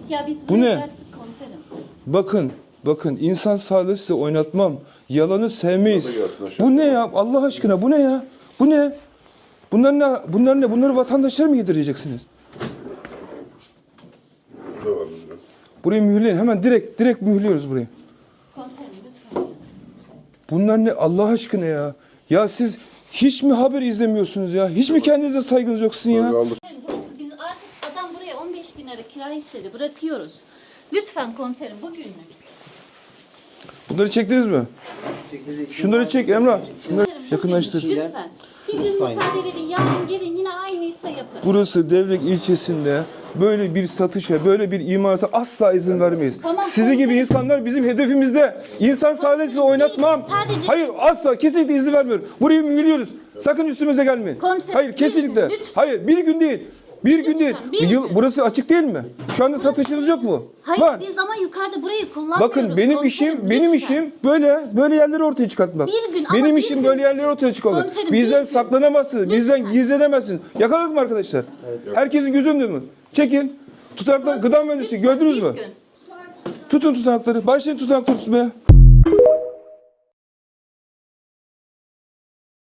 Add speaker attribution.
Speaker 1: Ya biz
Speaker 2: Bu ne?
Speaker 1: bıraktık komiserim.
Speaker 2: Bakın insan sağlığı size oynatmam. Yalanı sevmeyiz. Bu ne ya? Allah aşkına bu ne ya? Bu ne? Bunlar ne? Bunlar ne? Bunları vatandaşlara mı yedireceksiniz? Burayı mühürleyin. Hemen direkt mühürlüyoruz burayı.
Speaker 1: Komiserim lütfen.
Speaker 2: Bunlar ne? Allah aşkına ya. Ya siz hiç mi haber izlemiyorsunuz ya? Hiç mi kendinize saygınız yoksun ya?
Speaker 1: Burası, biz artık adam buraya 15.000 lira kira istedi. Bırakıyoruz. Lütfen komiserim bugünlük.
Speaker 2: Bunları çektiniz mi? Şunları çek Emrah. Şunları yakınlaştır.
Speaker 1: Lütfen. Bir gün müsaade verin. Yarın gelin yine aynıysa yapın.
Speaker 2: Burası Devlek ilçesinde böyle bir satışa, böyle bir imarata asla izin vermeyiz.
Speaker 1: Tamam,
Speaker 2: Sizi gibi insanlar bizim hedefimizde. İnsan sağlığını oynatmam.
Speaker 1: Sadece-
Speaker 2: Hayır, asla kesinlikle izin vermiyorum. Burayı mühürlüyoruz. Sakın üstümüze gelmeyin.
Speaker 1: Komiserim,
Speaker 2: Hayır, kesinlikle.
Speaker 1: lütfen.
Speaker 2: Hayır, bir gün değil. Bir gün değil.
Speaker 1: bir gün.
Speaker 2: Burası açık değil mi? Şu anda satışınız yok mu?
Speaker 1: Hayır
Speaker 2: Var.
Speaker 1: biz ama yukarıda burayı kullanmıyoruz.
Speaker 2: Bakın benim
Speaker 1: komiserim,
Speaker 2: benim
Speaker 1: lütfen.
Speaker 2: işim böyle yerleri ortaya çıkartmak.
Speaker 1: Bir gün ama
Speaker 2: Benim
Speaker 1: bir
Speaker 2: işim
Speaker 1: gün.
Speaker 2: böyle yerleri ortaya çıkarmak.
Speaker 1: Komiserim,
Speaker 2: Bizden
Speaker 1: bir gün.
Speaker 2: saklanamazsınız. Bizden
Speaker 1: Lütfen.
Speaker 2: gizlenemezsiniz. Yakaladık mı arkadaşlar? Herkesin gözü önünde mi? Çekin. Tutanaklar gıda mühendisi gördünüz
Speaker 1: Bir
Speaker 2: mü?
Speaker 1: gün.
Speaker 2: Tutun tutanakları. Başlayın tutanakları tutmaya.